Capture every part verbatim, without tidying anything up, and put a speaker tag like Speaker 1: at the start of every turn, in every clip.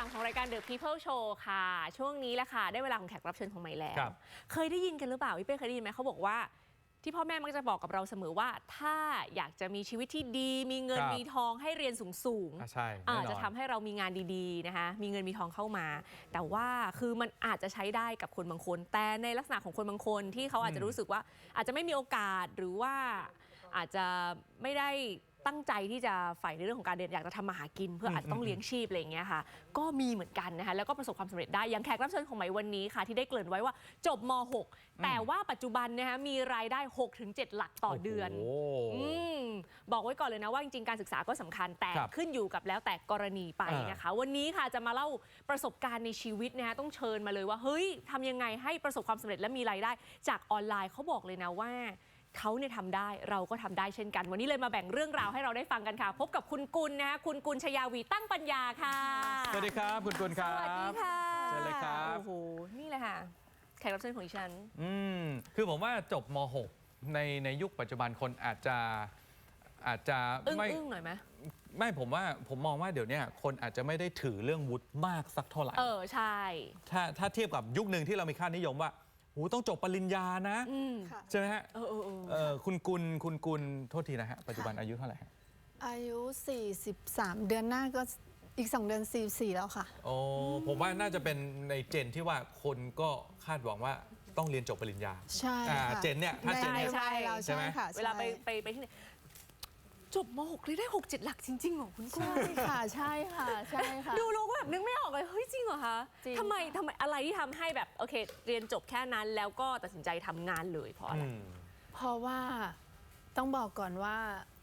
Speaker 1: ามของรายการ The People Show ค่ะช่วงนี้แหละค่ะได้เวลาของแขกรับเชิญของใหม่แล้วเคยได้ยินกันหรือเปล่าพี่เป้เคยได้ยินไหมเขาบอกว่าที่พ่อแม่มักจะบอกกับเราเสมอว่าถ้าอยากจะมีชีวิตที่ดีมีเงินมีทองให้เรียนสูงๆ
Speaker 2: ใช่
Speaker 1: จะทำให้เรามีงานดีๆนะคะมีเงินมีทองเข้ามาแต่ว่าคือมันอาจจะใช้ได้กับคนบางคนแต่ในลักษณะของคนบางคนที่เขาอาจจะรู้สึกว่าอาจจะไม่มีโอกาสหรือว่าอาจจะไม่ได้ตั้งใจที่จะใฝ่ในเรื่องของการเรียนอยากจะทำมาหากินเพื่ออาจจะต้องเลี้ยงชีพอะไรอย่างเงี้ยค่ะก็มีเหมือนกันนะคะแล้วก็ประสบความสำเร็จได้อย่างแขกรับเชิญของใหม่วันนี้ค่ะที่ได้เกริ่นไว้ว่าจบม หก แต่ว่าปัจจุบันนะคะมีรายได้ หกถึงเจ็ด หลักต่อเดือนอืมบอกไว้ก่อนเลยนะว่าจริงๆการศึกษาก็สำคัญแต่ขึ้นอยู่กับแล้วแต่กรณีไปนะคะวันนี้ค่ะจะมาเล่าประสบการณ์ในชีวิตนะคะต้องเชิญมาเลยว่าเฮ้ยทำยังไงให้ประสบความสำเร็จและมีรายได้จากออนไลน์เขาบอกเลยนะว่าเขาเนี่ยทำได้เราก็ทำได้เช่นกันวันนี้เลยมาแบ่งเรื่องราวให้เราได้ฟังกันค่ะพบกับคุณกุลนะคะคุณกุลชยาวีตั้งปัญญาค่ะ
Speaker 2: สวัสดีครับคุณกุลครับ
Speaker 1: สวัสดีค่ะ
Speaker 2: เชิญเลยครับ
Speaker 1: โอ้โหนี่แหละค่ะแขกรับเชิญของดิฉัน
Speaker 2: อืมคือผมว่าจบม หก ในในยุคปัจจุบันคนอาจจะอาจจะ
Speaker 1: ไม่อึ้งหน่อยไหม
Speaker 2: ไม่ผมว่าผมมองว่าเดี๋ยวนี้คนอาจจะไม่ได้ถือเรื่องวุฒิมากสักเท่าไหร่
Speaker 1: เออใช่
Speaker 2: ถ้าถ้าเทียบกับยุคหนึ่งที่เรามีค่านิยมว่าโหต้องจบปริญญานะใช่ไหมฮะ
Speaker 1: เออเออ
Speaker 2: เออคุณกุลคุณกุลโทษทีนะฮะปัจจุบันอายุเท่าไหร่
Speaker 3: อายุสี่สิบสามเดือนหน้าก็อีกสองเดือนสี่สิบสี่แล้วค่ะ
Speaker 2: โอ้ผมว่าน่าจะเป็นในเจนที่ว่าคนก็คาดหวังว่าต้องเรียนจบปริญญา
Speaker 3: ใช่ค่ะ
Speaker 2: เจนเนี่ยถ้าเจนเนี่ย
Speaker 3: ใช่ใช่ค่ะ
Speaker 1: เวลาไปไปไปที่ไหนจบม หก เลยได้ หก เจ็ด หลักจริงๆเหรอคุณกุล
Speaker 3: ใช่ค่ะใช่ค่ะใช่ค่ะ
Speaker 1: ดูเราก็แบบนึกไม่ออกเลยเฮ้ยจริงเหรอคะทำไมทำไมอะไรที่ทำให้แบบโอเคเรียนจบแค่นั้นแล้วก็ตัดสินใจทำงานเลยเพราะอะไร
Speaker 3: เพราะว่าต้องบอกก่อนว่า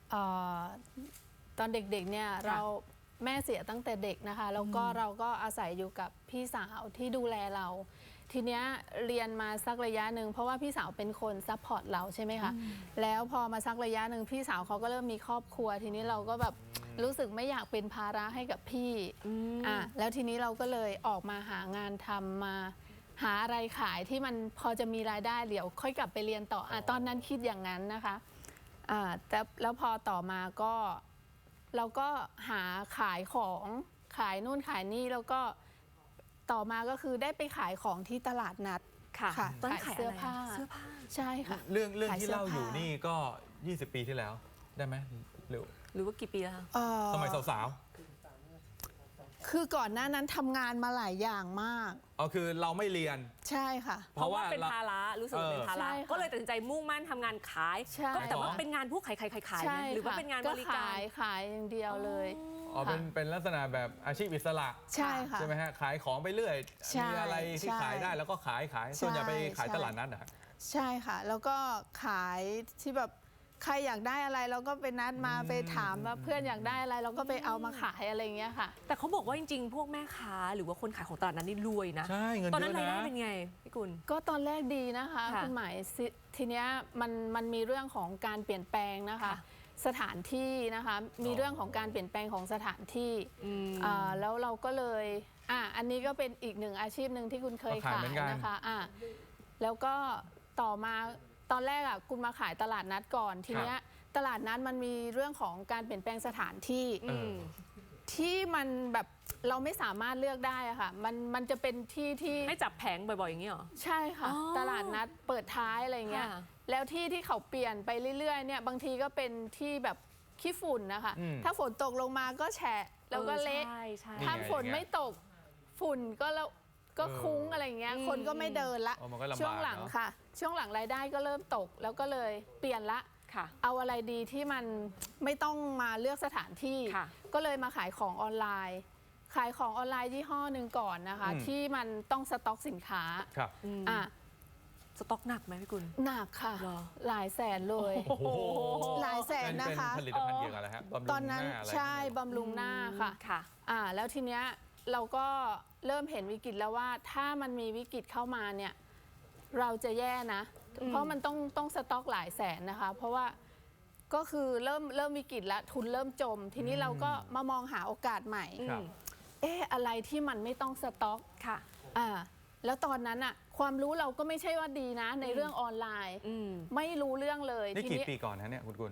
Speaker 3: ตอนเด็กๆเนี่ยเราแม่เสียตั้งแต่เด็กนะคะแล้วก็เราก็อาศัยอยู่กับพี่สาวที่ดูแลเราทีเนี้ยเรียนมาสักระยะหนึ่งเพราะว่าพี่สาวเป็นคนซัพพอร์ตเราใช่ไหมคะแล้วพอมาสักระยะหนึ่งพี่สาวเขาก็เริ่มมีครอบครัวทีนี้เราก็แบบรู้สึกไม่อยากเป็นภาระให้กับพี่อ่ะแล้วทีนี้เราก็เลยออกมาหางานทำมาหาอะไรขายที่มันพอจะมีรายได้เดี๋ยวค่อยกลับไปเรียนต่ออ่ะตอนนั้นคิดอย่างนั้นนะคะอ่าแต่แล้วพอต่อมาก็เราก็หาขายของขายนู่นขายนี่แล้วก็ต่อมาก็คือได้ไปขายของที่ตลาดนัด
Speaker 1: ค่ะ
Speaker 3: ขายเสื้อผ้าเสื้อผ้าใช่ค่ะ
Speaker 2: เรื่องเรื่องที่เล่าอยู่นี่ก็ยี่สิบปีที่แล้วได้ไหมหรือ
Speaker 1: หรือว่ากี่ปีแล้ว
Speaker 2: สมัยสาว
Speaker 3: ๆคือก่อนหน้านั้นทำงานมาหลายอย่างมาก
Speaker 2: อ๋อคือเราไม่เรียน
Speaker 3: ใช่ค่ะ
Speaker 1: เพราะว่าเป็นภาระรู้สึกเป็นภาระก็เลยตัดสินใจมุ่งมั่นทำงานขายก็แต่ว่าเป็นงานพวกขายขายขายขายหรือว่าเป็นงานบริการ
Speaker 3: ขายอย่างเดียวเลย
Speaker 2: อ๋อเป็นเป็นลักษณะแบบอาชีพอิสระ
Speaker 3: ใช่ค่ะ
Speaker 2: ใช่ไหมฮะขายของไปเรื่อยมีอะไรที่ขายได้แล้วก็ขายขายส่วนใหญ่ไปขายตลาดนัดนะ
Speaker 3: ใช่ค่ะแล้วก็ขายที่แบบใครอยากได้อะไรเราก็ไปนัดมาไปถามว่าเพื่อนอยากได้อะไรเราก็ไปเอามาขายอะไรอย่างเงี้ยค่ะ
Speaker 1: แต่เขาบอกว่าจริงๆพวกแม่ค้าหรือว่าคนขายของตลาดนั้นนี่รวยนะ
Speaker 2: ใช่เงินเยอะนะ
Speaker 1: ตอนนั้นรายได้เป็นไงพี่กุล
Speaker 3: ก็ตอนแรกดีนะคะคุณหมายทีเนี้ยมันมันมีเรื่องของการเปลี่ยนแปลงนะคะสถานที่นะคะมีเรื่องของการเปลี่ยนแปลงของสถานที่แล้วเราก็เลยอ่ะอันนี้ก็เป็นอีกหนึ่งอาชีพหนึ่งที่คุณเคยขายนะคะอ่ะแล้วก็ต่อมาตอนแรกอ่ะคุณมาขายตลาดนัดก่อนทีเนี้ยตลาดนัดมันมีเรื่องของการเปลี่ยนแปลงสถานที่ที่มันแบบเราไม่สามารถเลือกได้อะค่ะมันมันจะเป็นที่ที่
Speaker 1: ให้จับแผงบ่อยๆอย่างนี้หรอ
Speaker 3: ใช่ค่ะตลาดนัดเปิดท้ายอะไรเงี้ยแล้วที่ที่เขาเปลี่ยนไปเรื่อยๆเนี่ยบางทีก็เป็นที่แบบขี้ฝุ่นนะคะถ้าฝนตกลงมาก็แฉะแล้วก็เละถ้าฝนไม่ตกฝุ่นก็แล้วก็คุ้งอะไรเงี้ยคนก็ไม่เดินละช่วงหลังค่ะช่วงหลังรายได้ก็เริ่มตกแล้วก็เลยเปลี่ยนละเอาอะไรดีที่มันไม่ต้องมาเลือกสถานที่ก็เลยมาขายของออนไลน์ขายของออนไลน์ยี่ห้อหนึ่งก่อนนะคะที่มันต้องสต็อกสินค้าอ่ะ
Speaker 1: สต็อกหนักไหมพี่กุล
Speaker 3: หนักค่ะหลายแสนเลยหลายแสนนะคะ
Speaker 2: ผลิตภัณฑ์เกี่ยวกับอะไรฮะ
Speaker 3: ตอนนั้นใช่บำรุงหน้าค่ะ
Speaker 1: ค่ะ
Speaker 3: อ่าแล้วทีเนี้ยเราก็เริ่มเห็นวิกฤตแล้วว่าถ้ามันมีวิกฤตเข้ามาเนี่ยเราจะแย่นะเพราะมันต้องต้องสต็อกหลายแสนนะคะเพราะว่าก็คือเริ่มเริ่มวิกฤตแล้วทุนเริ่มจมทีนี้เราก็มามองหาโอกาสใหม่เอ๊ะอะไรที่มันไม่ต้องสต็อก
Speaker 1: ค่ะ
Speaker 3: อ่าแล้วตอนนั้นอะความรู้เราก็ไม่ใช่ว่าดีนะในเรื่องออนไลน์ไม่รู้เรื่องเลย
Speaker 2: นี่กี่ปีก่อนนะเนี่ยคุณกุล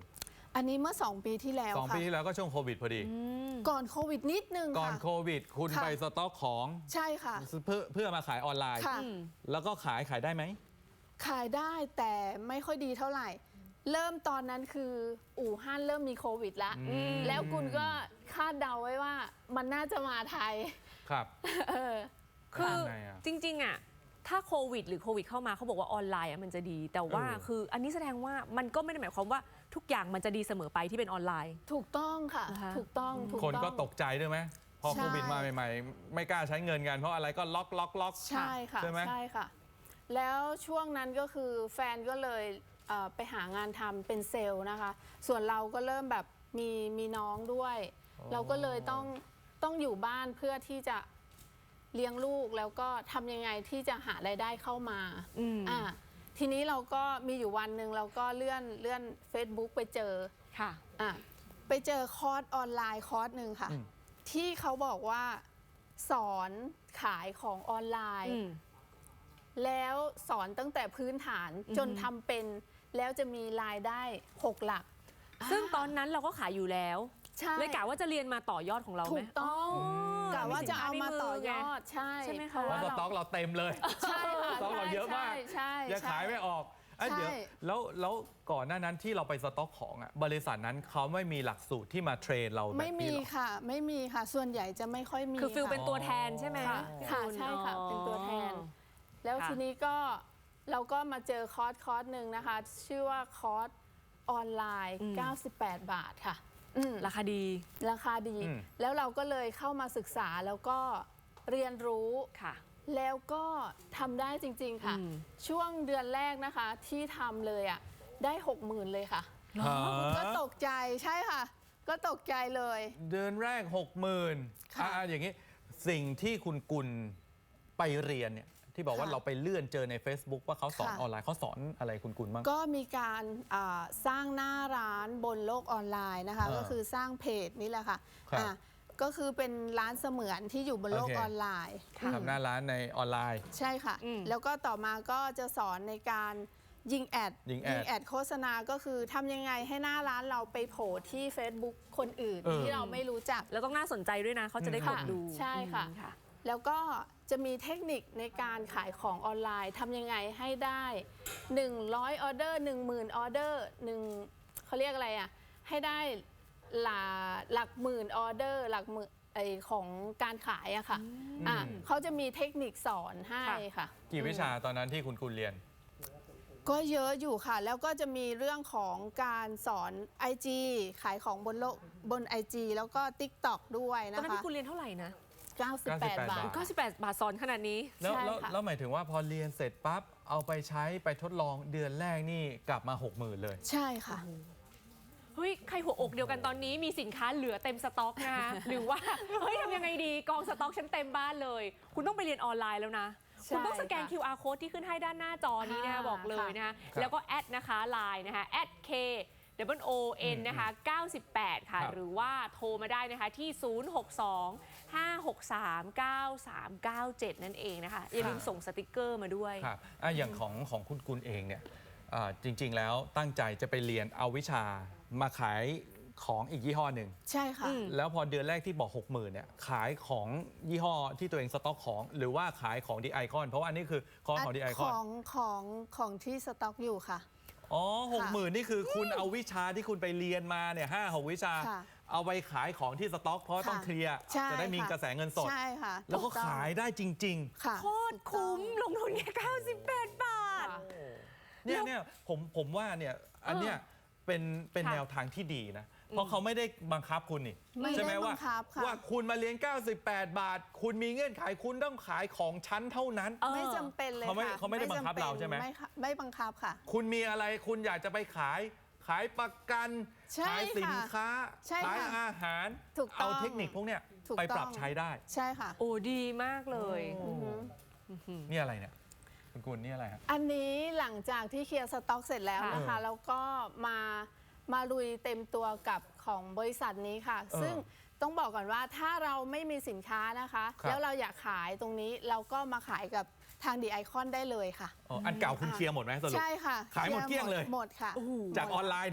Speaker 3: อันนี้เมื่อสองปีที่แล้ว
Speaker 2: สอง
Speaker 3: ค่ะ
Speaker 2: ปีที่แล้วก็ช่วงโควิดพอดี
Speaker 3: ก่อนโควิดนิดนึง
Speaker 2: ก่อน
Speaker 3: ค่ะ
Speaker 2: โควิด คุณ
Speaker 3: ค่ะ
Speaker 2: ไปสต็อกของ
Speaker 3: ใช่ค่ะ
Speaker 2: เพื่อเพื่อมาขายออนไลน์
Speaker 3: ค่ะ
Speaker 1: อืม
Speaker 2: แล้วก็ขายขายได้ไหม
Speaker 3: ขายได้แต่ไม่ค่อยดีเท่าไหร่ เริ่มตอนนั้นคืออู่ฮั่นเริ่มมีโควิดแล้ว
Speaker 2: อืม
Speaker 3: แล้วคุณก็คาดเดาไว้ว่ามันน่าจะมาไทย
Speaker 2: ครับ
Speaker 3: เออ
Speaker 1: คือ
Speaker 2: ทำไงอะ
Speaker 1: จริงๆอ่ะถ้าโควิดหรือโควิดเข้ามาเขาบอกว่าออนไลน์อ่ะมันจะดี แต่ว่า
Speaker 2: เออ
Speaker 1: คืออันนี้แสดงว่ามันก็ไม่ได้หมายความว่าทุกอย่างมันจะดีเสมอไปที่เป็นออนไลน์
Speaker 3: ถูกต้องค่ะ
Speaker 1: นะคะ
Speaker 3: ถูกต้องถูก
Speaker 2: คน
Speaker 3: ต้อง
Speaker 2: ก็ตกใจด้วยไหมพอ
Speaker 3: ใช่
Speaker 2: โควิดมาใหม่ๆ ไม่กล้าใช้เงินกันเพราะอะไรก็ล็อกล็อกล็อก
Speaker 3: ใช่ค่ะ
Speaker 2: ใช่ไหม
Speaker 3: ใช่ค่ะ แล้วช่วงนั้นก็คือแฟนก็เลยเอ่อไปหางานทำเป็นเซลล์นะคะ ส่วนเราก็เริ่มแบบมีมีน้องด้วย
Speaker 2: อ๋อ
Speaker 3: เราก็เลยต้องต้องอยู่บ้านเพื่อที่จะเลี้ยงลูกแล้วก็ทำยังไงที่จะหารายได้เข้ามา
Speaker 1: อืม
Speaker 3: อ่าทีนี้เราก็มีอยู่วันหนึ่งเราก็เลื่อนเลื่อน Facebook ไปเจอ
Speaker 1: ค่ะ
Speaker 3: อ่ะไปเจอคอร์สออนไลน์คอร์สหนึ่งค่ะ
Speaker 2: อืม
Speaker 3: ที่เขาบอกว่าสอนขายของออนไลน์
Speaker 1: อืม
Speaker 3: แล้วสอนตั้งแต่พื้นฐาน
Speaker 1: อือฮึ
Speaker 3: จนทำเป็นแล้วจะมีรายได้หกหลัก
Speaker 1: ซึ่งตอนนั้นเราก็ขายอยู่แล้ว
Speaker 3: ใช่
Speaker 1: เลยกะว่าจะเรียนมาต่อยอดของเราไหม
Speaker 3: ถูกต้อง
Speaker 1: อ๋อก
Speaker 3: ะว่าจะเอามาต่อยอ
Speaker 1: ไ
Speaker 3: ดใช่
Speaker 1: ใช่ไหมคะ
Speaker 3: เพราะ
Speaker 2: เพราะ
Speaker 3: ว่า
Speaker 2: สต็อกเราเต็มเลย
Speaker 3: ใช่ค่ะ
Speaker 2: สต็อกเราเยอะมาก
Speaker 3: ใช่ใช่
Speaker 2: ยัง
Speaker 3: ใช่
Speaker 2: ขายไม่ออกอ่ะ
Speaker 3: ใช่
Speaker 2: เดี๋ยวแล้วแล้วก่อนหน้านั้นที่เราไปสต็อกของอ่ะบริษัทนั้นเขาไม่มีหลักสูตรที่มาเทรนเราแบบ
Speaker 3: ไม่
Speaker 2: นี้
Speaker 3: มี
Speaker 2: หรอ
Speaker 3: ค่ะ ไม่มีค่ะ ส่วนใหญ่จะไม่ค่อยมี
Speaker 1: คือฟิล
Speaker 3: ค่ะ
Speaker 1: เป็นตัวแทนใช่ไหม
Speaker 3: ค่ะค่ะใช่ค่ะเป็นตัวแทน แล้ว
Speaker 1: ค่ะ
Speaker 3: ทีนี้ก็เราก็มาเจอคอร์สคอร์สหนึ่งนะคะ ชื่อว่าคอร์สออนไลน์ เก้าสิบแปด บาทค่ะอืม
Speaker 1: ราคาดี
Speaker 3: ราคาดี
Speaker 2: อืม
Speaker 3: แล้วเราก็เลยเข้ามาศึกษาแล้วก็เรียนรู้
Speaker 1: ค่ะ
Speaker 3: แล้วก็ทำได้จริง ๆ ค่ะ
Speaker 1: อืม
Speaker 3: ช่วงเดือนแรกนะคะที่ทำเลยอ่ะได้หกหมื่นเลยค่ะ
Speaker 2: ฮะ
Speaker 3: ก็ตกใจใช่ค่ะ ก็ตกใจเลย
Speaker 2: เดือนแรกหกหมื่น
Speaker 3: ค่ะ
Speaker 2: อ่ะอย่างนี้สิ่งที่คุณกุลไปเรียนเนี่ยที่บอกว่า
Speaker 3: ค่ะ
Speaker 2: เราไปเลื่อนเจอใน Facebook ว่าเขาสอน
Speaker 3: ค่ะ
Speaker 2: ออนไลน์เขาสอนอะไรคุณกุลบ้าง
Speaker 3: ก็มีการอ่าสร้างหน้าร้านบนโลกออนไลน์นะคะ
Speaker 2: อ่า
Speaker 3: ก็คือสร้างเพจนี่แหละค่ะ
Speaker 2: ครับ
Speaker 3: อ่าก็คือเป็นร้านเสมือนที่อยู่บนโลก
Speaker 2: โอเค
Speaker 3: ออนไลน์
Speaker 2: ทำหน้าร้านในออนไลน์
Speaker 3: ใช่ค่ะ
Speaker 1: อืม
Speaker 3: แล้วก็ต่อมาก็จะสอนในการยิงแอด
Speaker 2: ยิงแอด
Speaker 3: แอดโฆษณาก็คือทำยังไงให้หน้าร้านเราไปโผล่ที่ Facebook คนอื่น
Speaker 2: เออ
Speaker 3: ที่เราไม่รู้จัก
Speaker 1: แล้วต้องน่าสนใจด้วยนะ เขาจะได้กด
Speaker 3: ค่ะ
Speaker 1: ดู
Speaker 3: ใช่ค่ะ
Speaker 1: อืมค่ะ
Speaker 3: แล้วก็จะมีเทคนิคในการขายของออนไลน์ทำยังไงให้ได้ หนึ่งร้อย ออเดอร์ หนึ่งหมื่น ออเดอร์หนึ่งเขาเรียกอะไรอ่ะ ให้ได้หลักหลักหมื่นออเดอร์ หลักหมื่นไอของการขายอะค่ะอ่ะ
Speaker 2: อืม
Speaker 3: เขาจะมีเทคนิคสอนให้ค่ะ
Speaker 2: กี่วิชาตอนนั้นที่คุณกุลเรียน
Speaker 3: ก็เยอะอยู่ค่ะ แล้วก็จะมีเรื่องของการสอน ไอ จี ขายของบนโลกบน ไอ จี แล้วก็ TikTok ด้วย
Speaker 1: ตอน
Speaker 3: นะ
Speaker 1: นั้น
Speaker 3: คะ
Speaker 1: พี่คุณเรียนเท่าไหร่นะ
Speaker 3: เก้าสิบแปด บาท
Speaker 1: เก้าสิบแปดบาทสอนขนาดนี้
Speaker 2: แล้ว
Speaker 3: ใช่
Speaker 2: แล้ว
Speaker 3: ค่ะ
Speaker 2: แล้วหมายถึงว่าพอเรียนเสร็จปั๊บ เอาไปใช้ไปทดลองเดือนแรกนี่กลับมาหกหมื่นเลย
Speaker 3: ใช่ค่ะ
Speaker 1: เฮ้ย ใครหัวอกเดียวกันตอนนี้มีสินค้าเหลือเต็มสต็อกนะคะ หรือว่า เฮ้ยทำยังไงดีกองสต็อกฉันเต็มบ้านเลย คุณต้องไปเรียนออนไลน์แล้วนะ
Speaker 3: ใช่
Speaker 1: คุณต้องสแกน
Speaker 3: ค่ะ
Speaker 1: คิว อาร์ code ที่ขึ้นให้ด้านหน้าจอนี้นะคะ
Speaker 3: ค่ะ
Speaker 1: บอกเลยนะคะ
Speaker 2: ครับ
Speaker 1: แล้วก็แอดนะคะไลน์นะคะแอด K W O N นะคะเก้าสิบแปดค่ะ
Speaker 2: ครับ
Speaker 1: หรือว่าโทรมาได้นะคะที่ ศูนย์ หก สอง ห้า หก สาม เก้า สาม เก้า เจ็ด นั่นเองนะคะ อย่าลืมส่งสติกเกอร์มาด้วย
Speaker 2: ครับอ่ะอย่างของของคุณกุลเองเนี่ยอ่าจริง ๆ แล้วตั้งใจจะไปเรียนเอาวิชามาขายของอีกยี่ห้อหนึ่ง
Speaker 3: ใช่ค่ะ
Speaker 1: อืม
Speaker 2: แล้วพอเดือนแรกที่บอก หกหมื่นเนี่ยขายของยี่ห้อที่ตัวเองสต็อกของ หรือว่าขายของดีไอคอนเพราะว่าอันนี้คือคอร์สของดีไอค
Speaker 3: ข
Speaker 2: อน
Speaker 3: องของของที่สต็อกอยู่ค่ะ
Speaker 2: อ๋อหกหมื่นนี่คือคุณเอาวิชาที่คุณไปเรียนมาเนี่ยห้าหกวิชา
Speaker 3: ค่ะ
Speaker 2: เอาไปขายของที่สต็อก เพราะต้องเคลียร์
Speaker 3: ใช่
Speaker 2: จะได้มี
Speaker 3: ค่ะ
Speaker 2: กระแสเงินสด
Speaker 3: ใช่ค่ะ
Speaker 2: แล้วก็
Speaker 3: ถูต้อง
Speaker 2: ขายได้จริง
Speaker 3: ค่ะ
Speaker 1: โคตรคุ้มลงทุนแค่เก้าสิบแปดบาท
Speaker 3: ค่ะ
Speaker 2: ๆ เนี่ยเนี่ยผมผมว่าเนี่ยอันเนี้ยเป็นเป็น
Speaker 1: ค่ะ
Speaker 2: แนวทางที่ดีนะ เพราะเขาไม่ได้บังคับคุณนี่
Speaker 3: ไม่
Speaker 2: ใช่ไหม
Speaker 3: ได้
Speaker 2: ว่า
Speaker 3: บังคับค่ะ
Speaker 2: ว่าคุณมาเรียน เก้าสิบแปด บาท คุณมีเงื่อนไขคุณต้องขายของชั้นเท่านั้น
Speaker 1: เออ
Speaker 3: ไม่จำเป็นเลย
Speaker 2: เขาไม่
Speaker 3: ค่ะ
Speaker 2: เขาไม่ได้บังคับเราใช่ไหม
Speaker 3: ไม่ค่ะไม่บังคับค่ะ
Speaker 2: คุณมีอะไรคุณอยากจะไปขายขายประกัน
Speaker 3: ใช่
Speaker 2: ขายสินค้า
Speaker 3: ใช่
Speaker 2: ขาย
Speaker 3: ค่ะ
Speaker 2: อาหาร
Speaker 3: ถูกต้
Speaker 2: เอา
Speaker 3: อง
Speaker 2: เทคนิคพวกเนี้ย
Speaker 3: ถูก
Speaker 2: ไปปรับ
Speaker 3: ต้อง
Speaker 2: ใช้ได้
Speaker 3: ใช่ค่ะ
Speaker 1: โอ้ดีมากเลย
Speaker 3: อือฮึ
Speaker 2: นี่อะไรเนี่ยคุณกุลนี่อะไรฮะ
Speaker 3: อันนี้หลังจากที่เคลียร์สต็อกเสร็จแล้วนะคะ
Speaker 2: ค่ะ
Speaker 3: แล้วก็มามาลุยเต็มตัวกับของบริษัทนี้ค่ะ
Speaker 2: เออ
Speaker 3: ซึ่งต้องบอกก่อนว่าถ้าเราไม่มีสินค้านะคะ
Speaker 2: ครับ
Speaker 3: แล้วเราอยากขายตรงนี้เราก็มาขายกับทางดีไอคอนได้เลยค่ะ
Speaker 2: อ๋ออันเก่าคุณเคลียร์หมดไหมสรุป
Speaker 3: ใช่ค่ะ
Speaker 2: ขายหมดเกลี้ยงเลย
Speaker 3: หมดค่ะ
Speaker 1: โอ้โห
Speaker 2: จากออนไลน์เนี่ย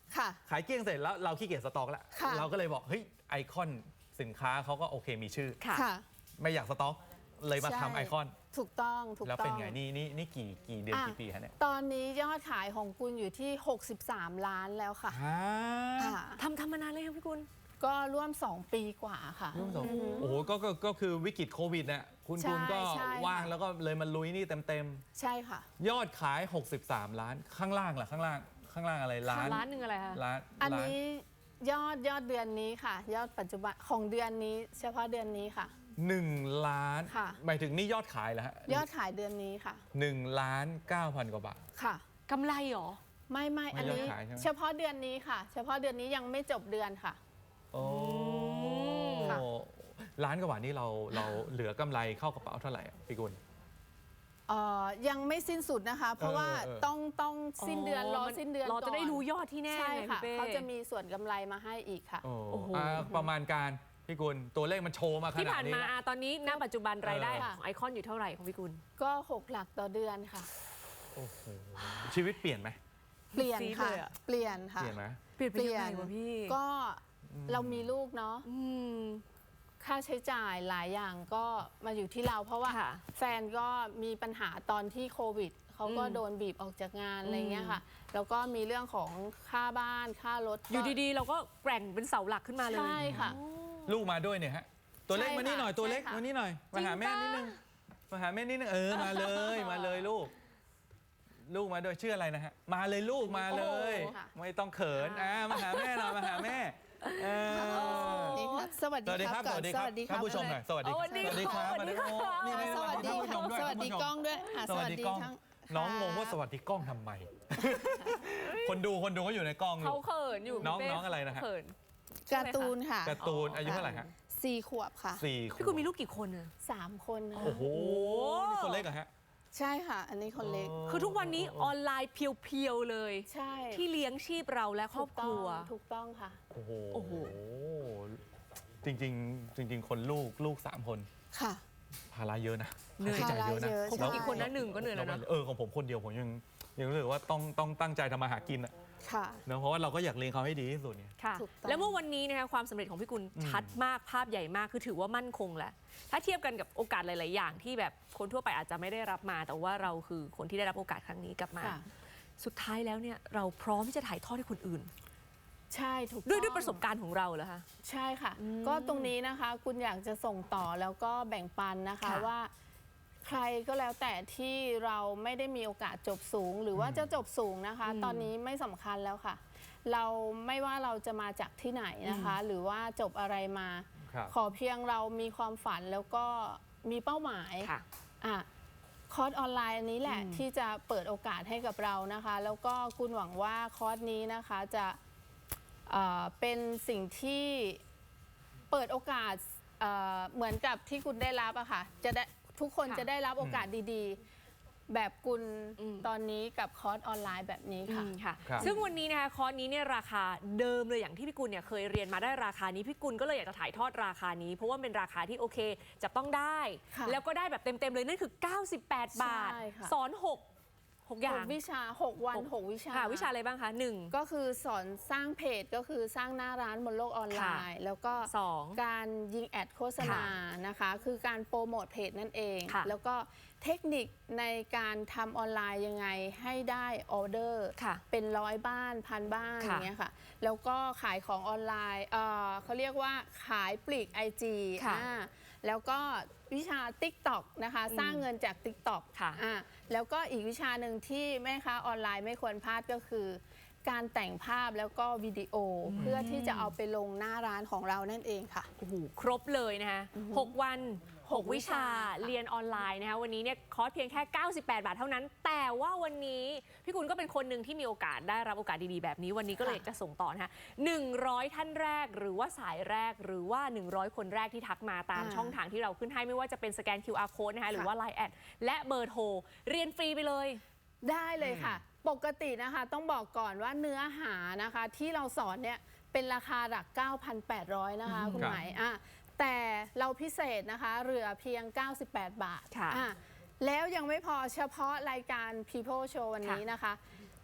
Speaker 3: ค่ะ
Speaker 2: ขายเกลี้ยงเสร็จแล้วเราขี้เกียจสต็อกแล้ว
Speaker 3: ค่ะ
Speaker 2: เราก็เลยบอกเฮ้ยไอคอนสินค้าเขาก็โอเคมีชื่อ
Speaker 1: ค่ะ
Speaker 3: ค่ะ
Speaker 2: ไม่อยากสต็อกเลยมา
Speaker 3: ใช่
Speaker 2: ทำไอคอน
Speaker 3: ถูกต้องถูก
Speaker 2: แล้ว
Speaker 3: ต้
Speaker 2: เป็น
Speaker 3: อง
Speaker 2: ไงนี่นี่นี่กี่กี่เดือน
Speaker 3: อ่ะ
Speaker 2: กี่ปีฮะเนี่ย
Speaker 3: ตอนนี้ยอดขายของคุณอยู่ที่ หกสิบสาม ล้านแล้วค่ะ
Speaker 2: ฮะ
Speaker 3: อ่ะ
Speaker 1: ทำทำมานานเลยครับพี่กุล
Speaker 3: ก็ร่วม สอง ปีกว่าค่ะ
Speaker 2: ร่วมสองโอ้โหก็ก็ก็คือวิกฤตโควิดเนี่ยคุณ
Speaker 3: ใช่
Speaker 2: คุณก็
Speaker 3: ใช่
Speaker 2: ว่างแล้วก็เลยมาลุยนี่เต็มเต็ม
Speaker 3: ใช่ค่ะ
Speaker 2: ๆยอดขาย หกสิบสาม ล้านข้างล่างล่ะข้างล่างข้างล่างอะไรล้าน
Speaker 1: ล้านหนึ่งอะไรคะ
Speaker 2: ล้าน
Speaker 3: อัน
Speaker 2: ล้า
Speaker 3: นี้ยอดยอดเดือนนี้ค่ะ ยอดปัจจุบันของเดือนนี้ เฉพาะเดือนนี้ค่ะ
Speaker 2: หนึ่งล้าน
Speaker 3: ค่ะ
Speaker 2: หมายถึงนี่ยอดขายเหรอฮะ
Speaker 3: ยอดขายเดือนนี้ค่ะ
Speaker 2: หนึ่งล้านเก้าพันกว่าบาท
Speaker 3: ค่ะ
Speaker 1: กำไรเหรอ
Speaker 3: ไม่ไม่
Speaker 2: ไม่
Speaker 3: อันนี้
Speaker 2: ยอดขายใช่ไหม
Speaker 3: เฉพาะเดือนนี้ค่ะ เฉพาะเดือนนี้ยังไม่จบเดือนค่ะ
Speaker 2: โอ้
Speaker 3: ค่ะ
Speaker 2: ล้านกว่าบาทนี่เราเราเหลือกำไรเข้ากระเป๋าเท่าไหร่อะพี่กุล
Speaker 3: เอ่อยังไม่สิ้นสุดนะคะ เพราะว่า
Speaker 2: เออเออ
Speaker 3: ต้องต้องสิ้นเดือนรอ
Speaker 1: มัน
Speaker 3: สิ้นเดือน
Speaker 1: เราจะได้
Speaker 3: ก่อน
Speaker 1: รู้ยอดที่แน่
Speaker 3: ใช่
Speaker 1: ไง
Speaker 3: ค่ะ
Speaker 1: พี่เป้
Speaker 3: เขาจะมีส่วนกำไรมาให้อีกค่ะ
Speaker 2: โอ้
Speaker 1: โอ้โห
Speaker 2: อ่าประมาณการพี่กุลตัวเลขมันโชว์มาข
Speaker 1: ที่
Speaker 2: นาด
Speaker 1: ผ่าน
Speaker 2: นี้
Speaker 1: มา
Speaker 2: แล้ว
Speaker 1: อ่ะตอนนี้ณปัจจุบันรายได้
Speaker 3: เออ
Speaker 1: ของไอคอนอยู่เท่าไหร่ของพี่กุล
Speaker 3: ก็หกหลักต่อเดือนค่ะ
Speaker 2: โอ้โหชีวิตเปลี่ยนไหม
Speaker 3: เปลี่ยน
Speaker 1: ซีด
Speaker 3: ค่ะ
Speaker 1: เลยอะ
Speaker 3: เปลี่ยนค่ะ
Speaker 2: เปลี่ยนไหม
Speaker 1: เปลี่ยนไป
Speaker 3: เปลี่
Speaker 1: ยั
Speaker 3: ย
Speaker 1: ง
Speaker 3: น
Speaker 1: ไงวะพี่
Speaker 3: ก็เรามีลูกเนาะ
Speaker 1: อืม
Speaker 3: ค่าใช้จ่ายหลายอย่างก็มาอยู่ที่เรา เพราะว่า
Speaker 1: ค่ะ
Speaker 3: แฟนก็มีปัญหาตอนที่โควิดเขาก็
Speaker 1: อืม
Speaker 3: โดนบีบออกจากงาน
Speaker 1: อืม
Speaker 3: อะไรเงี้ยค่ะ แล้วก็มีเรื่องของค่าบ้านค่ารถ
Speaker 1: อยู่ดีๆ เราก็แกร่งเป็นเสาหลักขึ้นมาเลย
Speaker 3: ใช่ค่ะ
Speaker 2: ลูกมาด้วยเนี่ยฮะตัวเล็ก
Speaker 3: ใช่
Speaker 2: มานี่หน่อย
Speaker 3: ค่ะ
Speaker 2: ตัวเล็ก
Speaker 3: ใช่ค่ะ
Speaker 2: มานี่หน่อยมาหาแม่นิดนึงมาหาแม่นิดนึงเออมาเลยมาเลยลูก ลูกมาด้วยชื่ออะไรนะฮะมาเลยลูกมาเลย
Speaker 3: โอ้โหค่ะ
Speaker 2: ไม่ต้องเขินอ่ามาหาแม่หน่อยมาหาแม่เออ
Speaker 3: นี่ค่ะสวัส
Speaker 2: สวัสดี
Speaker 3: ดี
Speaker 2: ค
Speaker 3: ค
Speaker 2: รั
Speaker 3: รั
Speaker 2: บบ ส
Speaker 3: ก่อน
Speaker 2: วัสดีครับ
Speaker 3: สวัสดีค
Speaker 2: ท่า
Speaker 3: รั
Speaker 2: น
Speaker 3: บ
Speaker 2: ผู้ชมหน่อยสวัสดี
Speaker 1: สวัสดี
Speaker 2: สวัสดีครับ
Speaker 1: สวัสดี
Speaker 2: โอ้นี่นี่
Speaker 3: สวัสดี
Speaker 2: ท่านผู้ช
Speaker 3: ค่ะ
Speaker 2: มด้วย
Speaker 3: สวัสดี
Speaker 2: ท่านผู้ชม
Speaker 3: กล้องด้วยอ่ะ
Speaker 2: สวัสดีกล้อง
Speaker 3: ทั้
Speaker 2: น้องงงว่า
Speaker 3: ครับ
Speaker 2: สวัสดีกล้องทำไม คนดูคนดูก็อยู่ในกล้องลู
Speaker 1: เขา
Speaker 2: ก
Speaker 1: เขินอยู่
Speaker 2: น้อง
Speaker 1: พี่เป้
Speaker 2: น้องอะไรนะฮะ
Speaker 1: เขิน
Speaker 3: การ์ตูนค่ะ
Speaker 2: การ์ตูนอายุเท่าไหร่ฮะ
Speaker 3: สี่ขวบค่ะ
Speaker 2: สี่ขวบ
Speaker 1: พี่กุลมีลูกกี่คนอะ
Speaker 3: สามคนนะ
Speaker 2: โอ้โหนี่คนเล็กเหรอฮะ
Speaker 3: ใช่ค่ะ อันนี้คนเล็ก
Speaker 1: คือทุกวันนี้ออนไลน์เพียวๆเลย
Speaker 3: ใช่
Speaker 1: ที่เลี้ยงชีพเราและครอบครัว
Speaker 3: ถูกต้องค่ะ
Speaker 2: โอ้โห
Speaker 1: โอ้โห
Speaker 2: จริงๆ จริง ๆ คนลูกลูกสามคน
Speaker 3: ค่ะ
Speaker 2: ภาระเยอะนะ
Speaker 1: เหนื่อย
Speaker 2: ค่าใช้จ่ายเยอะนะ
Speaker 3: ภาระเยอะ
Speaker 1: ของ
Speaker 3: ใช่
Speaker 1: กี่คนนะหนึ่งก็เหนื่อยแล้วนะ
Speaker 2: เออของผมคนเดียวผมยังยังรู้สึกว่าต้องต้องตั้งใจทำมาหากินอะ
Speaker 3: ค่ะ
Speaker 2: เนอะเพราะว่าเราก็อยากเลี้ยงเขาให้ดีที่สุดเนี่ย
Speaker 1: ค่ะ
Speaker 3: ถูกต้อง
Speaker 1: แล้วเมื่อวันนี้นะคะความสำเร็จของพี่กุล
Speaker 2: อืม
Speaker 1: ชัดมากภาพใหญ่มากคือถือว่ามั่นคงแหละถ้าเทียบกันกับโอกาสหลาย ๆ อย่างที่แบบคนทั่วไปอาจจะไม่ได้รับมา แต่ว่าเราคือคนที่ได้รับโอกาสครั้งนี้กลับมา
Speaker 3: ค่ะ
Speaker 1: สุดท้ายแล้วเนี่ยเราพร้อมที่จะถ่ายทอดให้คนอื่น
Speaker 3: ใช่ถูกต้อง
Speaker 1: ด้วยด้วยประสบการณ์ของเราเหรอคะ
Speaker 3: ใช่ค่ะ
Speaker 1: อืม
Speaker 3: ก็ตรงนี้นะคะ คุณอยากจะส่งต่อแล้วก็แบ่งปันนะคะ
Speaker 1: ค่ะ
Speaker 3: ว่า ใครก็แล้วแต่ที่เราไม่ได้มีโอกาสจบสูง หรือว่าจะจบสูงนะคะ ตอนนี้ไม่สำคัญแล้วค่ะ เราไม่ว่าเราจะมาจากที่ไหนนะคะ หรือว่าจบอะไรมา
Speaker 2: ครับ
Speaker 3: ขอเพียงเรามีความฝันแล้วก็มีเป้าหมาย
Speaker 1: ค่ะ
Speaker 3: อ่ะคอร์สออนไลน์อันนี้แหละ
Speaker 1: อืม
Speaker 3: ที่จะเปิดโอกาสให้กับเรานะคะ แล้วก็คุณหวังว่าคอร์สนี้นะคะจะเอ่อเป็นสิ่งที่เปิดโอกาสเอ่อเหมือนกับที่คุณได้รับอะค่ะจะได้ทุกคน
Speaker 1: ค่ะ
Speaker 3: จะได้รับโอกาสดีๆ แบบคุณ
Speaker 1: อืม
Speaker 3: ตอนนี้กับคอร์สออนไลน์แบบนี้ค่ะ
Speaker 1: อืมค่ะ
Speaker 2: ครับ
Speaker 1: ซึ่งวันนี้นะคะคอร์สนี้เนี่ยราคาเดิมเลยอย่างที่พี่กุลเนี่ยเคยเรียนมาได้ราคานี้พี่กุลก็เลยอยากจะถ่ายทอดราคานี้ เพราะว่าเป็นราคาที่โอเคจับต้องได้
Speaker 3: ค่ะ
Speaker 1: แล้วก็ได้แบบเต็ม ๆ เลยนั่นคือ เก้าสิบแปด บาท
Speaker 3: ใช่ค่ะ
Speaker 1: สอนหก หกอ
Speaker 3: ห
Speaker 1: ย่าง
Speaker 3: กวิชาหกวัน
Speaker 1: หก
Speaker 3: หกวิชา
Speaker 1: ค่ะวิชาอะไรบ้างคะหนึ่ง
Speaker 3: ก็คือสอนสร้างเพจก็คือสร้างหน้าร้านบนโลกออนไลน์ แล้วก็
Speaker 1: สอง
Speaker 3: การยิงแอดโฆษณานะคะ คือการโปรโมทเพจนั่นเอง
Speaker 1: ค่ะ
Speaker 3: แล้วก็เทคนิคในการทำออนไลน์ยังไงให้ได้ออเดอร์
Speaker 1: ค่ะ
Speaker 3: เป็นร้อยบ้านพันบ้าน
Speaker 1: ค่ะ
Speaker 3: อย่างเงี้ยค่ะ แล้วก็ขายของออนไลน์เอ่อเขาเรียกว่าขายปลีก ไอ จี
Speaker 1: ค่ะ
Speaker 3: อ่าแล้วก็วิชา TikTok นะคะ
Speaker 1: อืม
Speaker 3: สร้างเงินจาก TikTok
Speaker 1: ค่ะ
Speaker 3: อ่าแล้วก็อีกวิชาหนึ่งที่แม่ค้าออนไลน์ไม่ควรพลาดก็คือ การแต่งภาพแล้วก็วิดีโออเพื่อที่จะเอาไปลงหน้าร้านของเรานั่นเองค่ะ
Speaker 1: โอ้โหครบเลยนะคะหกวัน หก วิชา
Speaker 3: วิชา
Speaker 1: เรียนออนไลน์นะคะวันนี้เนี่ยคอร์สเพียงแค่ เก้าสิบแปด บาทเท่านั้น แต่ว่าวันนี้พี่กุลก็เป็นคนหนึ่งที่มีโอกาสได้รับโอกาสดีๆแบบนี้วันนี้ก็เลยจะส่งต่อนะคะหนึ่งร้อยท่านแรกหรือว่าสายแรกหรือว่าหนึ่งร้อยคนแรกที่ทักมาตาม
Speaker 3: อ่า
Speaker 1: ช่องทางที่เราขึ้นให้ไม่ว่าจะเป็นสแกน คิว อาร์ Code นะคะหรือว่า ไลน์ แอดและเบอร์โทรเรียนฟรีไปเลย
Speaker 3: ได้เลยค่ะ ปกตินะคะต้องบอกก่อนว่าเนื้อหานะคะที่เราสอนเนี่ยเป็นราคาหลัก เก้าพันแปดร้อย นะคะ
Speaker 1: อืม
Speaker 3: คุณ
Speaker 2: ครับ
Speaker 3: หมายอ่ะแต่เราพิเศษนะคะเหลือเพียง เก้าสิบแปด บาท
Speaker 1: ค่ะ
Speaker 3: อ่ะแล้วยังไม่พอเฉพาะรายการ People Show วันนี้นะคะ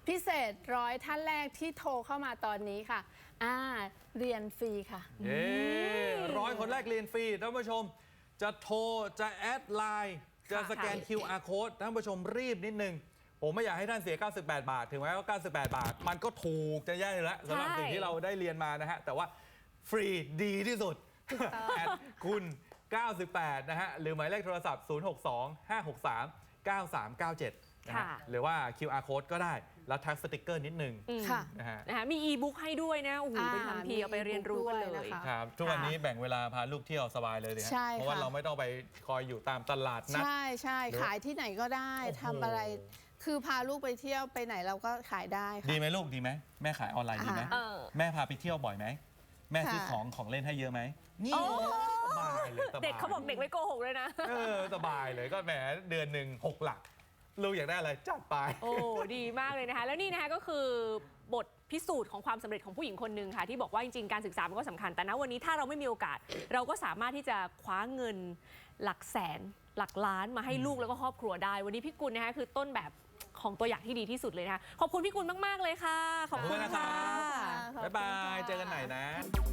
Speaker 3: พิเศษร้อยท่านแรกที่โทรเข้ามาตอนนี้ค่ะอ่าเรียนฟรีค่ะ
Speaker 2: เย้ร้อยคนแรกเรียนฟรีท่านผู้ชมจะโทรจะแอดไลน์จะสแกน คิว อาร์ Code ท่านผู้ชมรีบนิดนึงผมไม่อยากให้ท่านเสีย เก้าสิบแปด บาท ถึงแม้ว่า เก้าสิบแปด บาท มันก็ถูกจะแย่อยู่แล้วสำหรับสิ่งที่เราได้เรียนมานะฮะ แต่ว่าฟรีดีที่สุด แอดคุณ เก้าสิบแปด นะฮะ หรือหมายเลขโทรศัพท์ ศูนย์ หก สอง ห้า หก สาม เก้า สาม เก้า เจ็ด นะฮะ
Speaker 1: ค่ะ
Speaker 2: หรือว่า คิว อาร์ Code ก็ได้ แล้วทักสติกเกอร์นิดนึง
Speaker 1: อืม
Speaker 3: ค่ะ
Speaker 2: นะฮะ
Speaker 1: นะคะมีอีบุ๊กให้ด้วยนะโอ้โห
Speaker 3: อ่า
Speaker 1: เป็นคำพีเอาไปเรียนรู้กันเลย
Speaker 3: มี e-book ด้วยนะคะ
Speaker 2: ครับ ทุกวันนี้แบ่งเวลาพาลูกเที่ยวสบายเลยดิฮะ
Speaker 3: ใช่
Speaker 2: เพราะว่า
Speaker 3: ค่ะ
Speaker 2: เราไม่ต้องไปคอยอยู่ตามตลาดนัด
Speaker 3: ใช่ใช่
Speaker 2: หรือ
Speaker 3: ขายที่ไหนก็ได้
Speaker 2: โอ้โห
Speaker 3: ทำอะไร คือพาลูกไปเที่ยวไปไหนเราก็ขายได้
Speaker 2: ดี
Speaker 3: ค่ะ
Speaker 2: ไหมลูกดีไหมแม่ขายออนไลน์ดีไหม
Speaker 1: เออ
Speaker 2: แม่พาไปเที่ยวบ่อยไหมแม่ซื้อ
Speaker 3: ค่ะ
Speaker 2: ของของเล่นให้เยอะไหมนี่
Speaker 1: โอ้
Speaker 2: สบายเลยสบาย
Speaker 1: เด็กเขาบอกเด็กไม่โกหกเลยนะ
Speaker 2: เออสบายเลยก็แหมเดือนหนึ่งหกหลักลูกอยากได้อะไรจัดไป
Speaker 1: โอ้ดีมากเลยนะคะ แล้วนี่นะคะก็คือบทพิสูจน์ของความสำเร็จของผู้หญิงคนหนึ่งค่ะที่บอกว่าจริงๆการศึกษามันก็สำคัญแต่ณวันนี้ถ้าเราไม่มีโอกาส เราก็สามารถที่จะคว้าเงินหลักแสนหลักล้านมาให้ลูกแล้วก็ครอบครัวได้ วันนี้พี่กุลนะคะคือต้นแบบของตัวอย่างที่ดีที่สุดเลยนะคะขอบคุณพี่กุลมากๆเลยค่ะขอบคุณ
Speaker 2: ขอบคุณนะครั
Speaker 1: ค่ะ
Speaker 3: ขอบคุณ
Speaker 2: บ๊ายบาย
Speaker 3: ค่ะ
Speaker 2: เจอกันใหม่นะ